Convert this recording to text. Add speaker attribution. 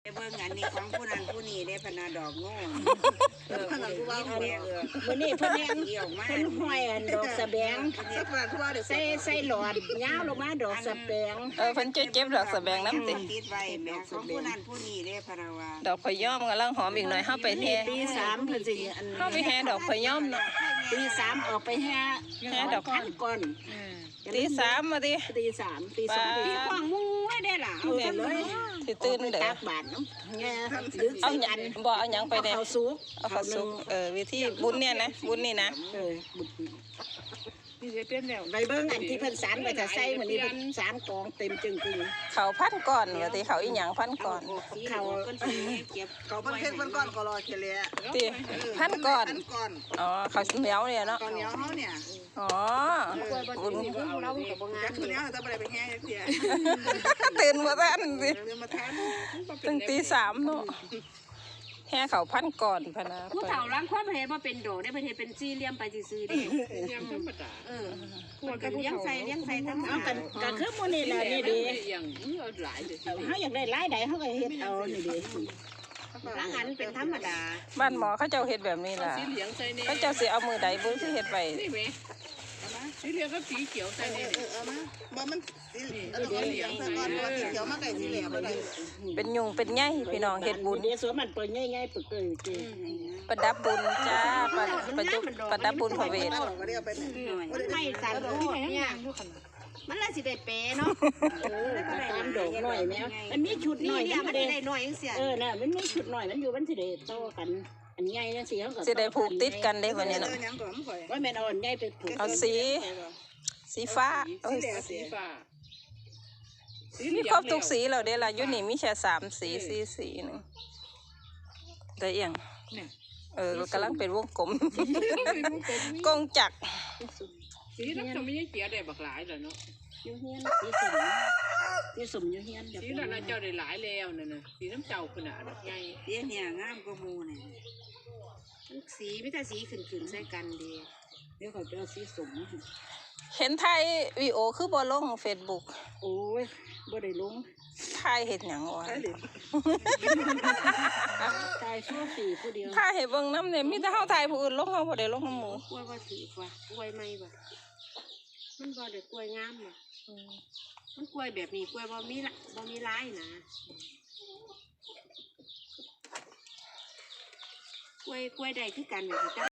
Speaker 1: เบิ่งอันนี้ของผู้นั้นผู้นี้ได้พนาดอกโง่
Speaker 2: ขนาดผู้ว่า
Speaker 1: มื้อนี้
Speaker 2: เพิ่นแห้ง
Speaker 1: เกี่ยวมาก
Speaker 2: เพิ่นห้อยอันดอกสะแบงใส่หลอดยาวลงมาดอกสะแบง
Speaker 3: เพิ่นเจ็บดอกสะแบงน้ำติ
Speaker 1: ติดไว้แม่ของผู้นั้นผู้นี้ได้พนาว่า
Speaker 3: ดอกพะย้อมกำลังหอมอีกหน่อยเฮาไปแห่
Speaker 2: ตีสามเพิ่นสิอัน
Speaker 3: เฮาไปแห่ดอกพะย้อมเนาะ
Speaker 2: ตีสามออกไปแห่ดอกพันก่อน
Speaker 3: ตีสามมาดิ
Speaker 2: ตีสามตีสอง
Speaker 1: ที่ขวางมุ้งไว้ได้ล่ะ
Speaker 2: เอาเลย
Speaker 3: สิตื่นเด้อ
Speaker 2: ตักบาทน้ำแง่ดึก
Speaker 3: เอา
Speaker 2: ใส่
Speaker 3: หยั
Speaker 2: กัน
Speaker 3: บ่เอาหยังไปเด้
Speaker 2: เอาซุก
Speaker 3: เอาข้าวสุกวิธีบุญเนี่ยนะบุญนี่นะ
Speaker 2: บุญ
Speaker 4: นี่จะเป็นแล้ว
Speaker 2: ใบเบิ้งอันที่เพิ่นสารไว้ถ้าใส่เหมือนนี้เพิ่นสารกองเต็มจึงกึ่ง
Speaker 3: เขาพันก่อนว่าติเขาอีหยังพันก่อน
Speaker 1: เขาเพิ่นสิเก็บ
Speaker 4: เขาเป็นเค้กเป็นก้อนก็รอเคลีย
Speaker 3: ติพันก่อน
Speaker 4: ก้อน
Speaker 3: อ๋อเขาเหนียวเนี่ยเนาะ
Speaker 4: ก้อนเหนียวเขาเนี่ย
Speaker 3: อ๋อบุญ
Speaker 2: เรากับบ่งา
Speaker 4: จั
Speaker 2: น
Speaker 4: กตัวนี้จะไปแห้งเสีย
Speaker 3: ตื่นบ่ทันสิ
Speaker 4: เรือมาทาน
Speaker 3: ตั้งตีสามเนาะแห่เขาพันก่อนพะนะ
Speaker 5: ผู้เฒ่าล้างความเห็นว่าเป็นโดได้ประเทศเป็นสี่เหลี่ยมไปซื่อๆเด้
Speaker 4: ยังธรรมดา
Speaker 5: พวกกันเลี้ยงใส่ทั้ง
Speaker 2: เอากันก็คือมื้อนี้ล่ะนี่ดี
Speaker 4: อย่างหลายเลย
Speaker 2: เฮาอยากได้หลายใดเฮาก็เฮ็ดเอานี่ดี
Speaker 5: ล้างอันเป็นธรรมดา
Speaker 3: บ้านหมอเขาเจ้าเฮ็ดแบบนี้ล่ะ
Speaker 4: สีเหลืองใส่เนี่ย
Speaker 3: เขาเจ้าสิเอามือใดบุญสิเฮ็ดไว้
Speaker 4: นี่ไหมสีเหลืองก็สีเขียวใส่เนี่ยเอามาบ่มันสีเหลืองใส่ก้อนสีเขียวมาไก่สีเหลืองอะไร
Speaker 3: เป็นยุงเป็นใยพี่น้องเฮ็ดบุญ
Speaker 2: เดี๋ยวสวนมันเปิดง่ายๆปึกเกยจริง
Speaker 3: ประดับบุญจ้าประดับบุญพระเวท
Speaker 4: ก็เรียกไปเนี่ย
Speaker 5: ไม่สั่นโลดเนี่ยมันละสิได้เปเนาะ
Speaker 2: ตามดอกหน่อยแม่มันมีชุดหน่อย
Speaker 5: เนี่ย
Speaker 2: มั
Speaker 5: มัน น
Speaker 2: ได้
Speaker 5: ได้น้อยจังเสีย
Speaker 2: น่ะมันมีชุดหน่อยมันอยู่มันสิได้โตกันอันใหญ่จังซี่เฮาก็
Speaker 3: สิได้ผูกติดกันได้วันนี้เนาะ
Speaker 4: ยังก่อนข่อย
Speaker 2: ว่าแม่นเอาอันใหญ่ไปผูก
Speaker 3: เอาสีฟ้า
Speaker 4: สีเหลืองสีฟ้า
Speaker 3: มีครบทุกสีแล้วเด้ล่ะอยู่นี่มีแค่3สี4สีนึงได้เอียงกำลังเป็นวงกลมกงจักร
Speaker 4: สีน้ำจะไม่ใช่เกียร์ได้บักหลายเลยเนาะ
Speaker 2: อยู่เฮียนสีสมอยู่เฮียน
Speaker 4: สีนั้นเจ้าได้หลายแล้วนั่นน่ะสีน้ำเจ้าขนาดใหญ่
Speaker 1: เดี๋ยวเนี่ยงามกว่าหมู่นี่
Speaker 5: สีไม่แต่สีขึ้นๆใส่กันดี
Speaker 2: เดี๋ยวเขาจะสีสม
Speaker 3: เห็นถ่ายวิดีโอคือบ่ลง Facebook
Speaker 2: โอ้ยบ่ได้ลง
Speaker 3: ถ่ายเฮ็ดหยังวะ
Speaker 2: ตายชั่วปีผู้เดียว
Speaker 3: ถ่ายให้เบิ่งนำเนี่ยมีแต่เฮาถ่ายผู้อื่นลงเฮาบ่ได้ลงนำหมู่
Speaker 5: กล้วยว่าถือกว่ากล้วยไม่บ่มันบ่ได้กล้วยงามบ่มันกล้วยแบบนี้กล้วยบ่มีลายนะกล้วยได้คือกัน